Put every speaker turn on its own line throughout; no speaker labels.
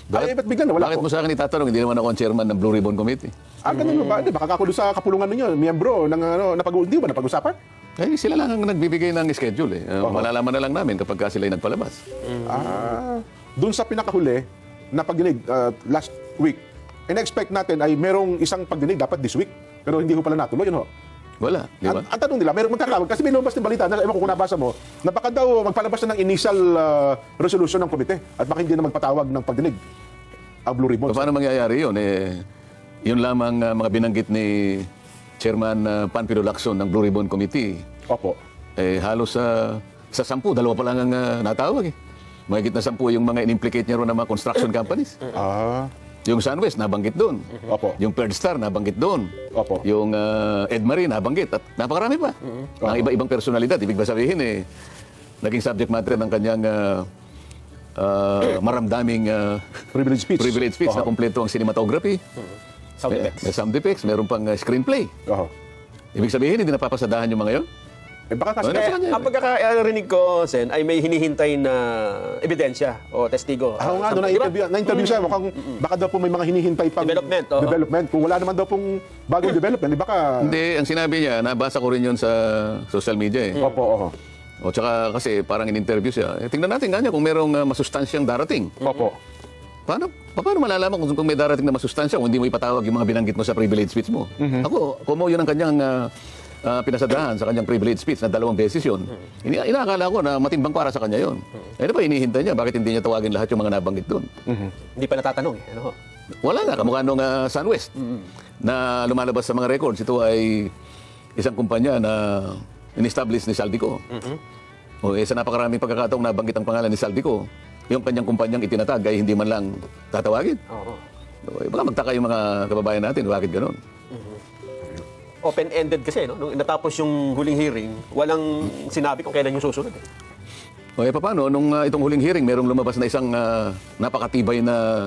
Ay, ba't bigla nawala
Bakit
ko?
mo sa akin itatanong? Hindi naman ako ang chairman ng Blue Ribbon Committee.
Ganun ba? Di, baka kakulo sa kapulungan ninyo, miyembro ng hindi ba napag-usapan?
Eh, sila lang ang nagbibigay ng schedule. Malalaman na lang namin kapag sila ay nagpalabas.
Doon sa pinakahuli na pagdinig last week, in-expect natin ay merong isang pagdinig dapat this week. Pero hindi ko pala natuloy, yun ho.
Wala, di ba?
Ang tanong nila, merong magkakawag. Kasi may lumabas ng balita, ewan ko kung nabasa mo, na baka daw magpalabas na ng initial resolution ng komite at baka hindi na magpatawag ng pagdinig ang Blue Ribbon.
Paano mangyayari yun? Yun lamang mga binanggit ni Chairman Panfilo Lacson ng Blue Ribbon Committee.
Opo.
Halos sa 10, 2 pa lang ang natawag. Mahigit na 10 yung mga in-implicate niya ron ng mga construction companies. Yung SunWest, nabanggit doon.
Opo.
Yung Third Star, nabanggit doon.
Opo.
Yung Edmarie, nabanggit. At napakarami pa. Ang iba-ibang personalidad. Ibig ba sabihin, naging subject matter ng kanyang maramdaming
Privilege speech.
na kumpleto ang cinematography.
Sound effects.
May sound effects, meron pang screenplay. Ibig sabihin, hindi napapasadahan yung mga yun?
Baka kasi
Ang pagkakarinig ko, Sen, ay may hinihintay na ebidensya o testigo.
ako nga, doon na-interview siya, mukhang baka daw po may mga hinihintay pang
Development, oo.
development. Kung wala naman daw pong bagong development, baka...
Hindi, ang sinabi niya, nabasa ko rin yun sa social media.
Opo.
O tsaka kasi parang in-interview siya. Tingnan natin nga niya kung merong masustansyang darating.
Opo.
Paano malalaman kung may darating na masustansya kung hindi mo ipatawag yung mga binanggit mo sa privilege speech mo? Ako, kung yun ang kanyang pinasadahan sa kanyang privilege speech na 2 beses yun, inaakala ko na matimbang para sa kanya yun. Ano ba hinihintay niya? Bakit hindi niya tawagin lahat yung mga nabanggit doon?
Hindi pa natatanong. Ano?
Wala nga, kamukha nung SunWest na lumalabas sa mga records. Ito ay isang kumpanya na in-establish ni Saldico. Sa napakaraming pagkakataong nabanggit ang pangalan ni Saldico, yung kanyang kumpanyang itinatag ay hindi man lang tatawagin. Baka magtaka yung mga kababayan natin, bakit gano'n?
Open-ended kasi, no? Nung natapos yung huling hearing, walang sinabi kung kailan yung susunod.
Paano? Nung itong huling hearing, merong lumabas na isang napakatibay na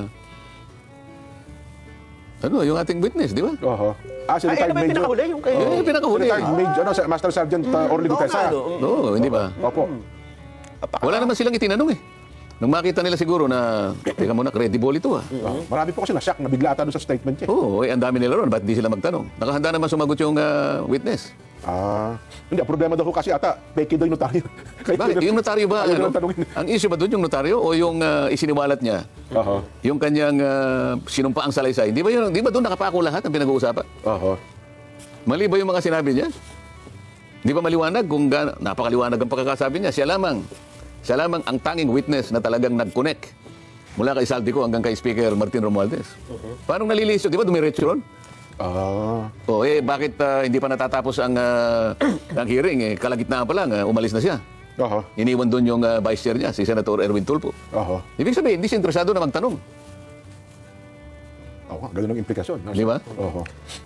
yung ating witness, di ba?
Si
Ay,
retired
ano ba yung
Major.
pinakahuli? Yung kay...
Pinakahuli.
Retired Major, Master Sergeant Orly Gutesa.
Oo, hindi ba?
Opo.
Wala naman silang itinanong Nung makita nila siguro na, teka muna, credible ito
Marami po kasi na-shock, nabigla ata doon sa statement niya.
Oo, ang dami nila ron. Ba't di sila magtanong? Nakahanda naman sumagot yung witness.
Hindi, ang problema daw ko kasi ata, peke daw yung notaryo.
Bakit? Yung notaryo ba?
Ayaw nang tanungin.
Ang issue ba doon yung notaryo o yung isiniwalat niya? Yung kanyang sinumpaang salaysay. Di ba doon nakapako lahat ang pinag-uusapan? Mali ba yung mga sinabi niya? Di ba maliwanag? Kung napakaliwanag ang pagkakasabi niya, siya lamang ang tanging witness na talagang nag-connect mula kay Saldico hanggang kay Speaker Martin Romualdez. Paano nalilisyo? Di ba dumiretso ron? Bakit hindi pa natatapos ang hearing? Kalagitnaan pa lang, umalis na siya. Iniwan doon yung vice chair niya, si Senator Erwin Tulfo. Ibig sabihin, hindi siya interesado na magtanong.
Ganun ang implikasyon.
Di ba?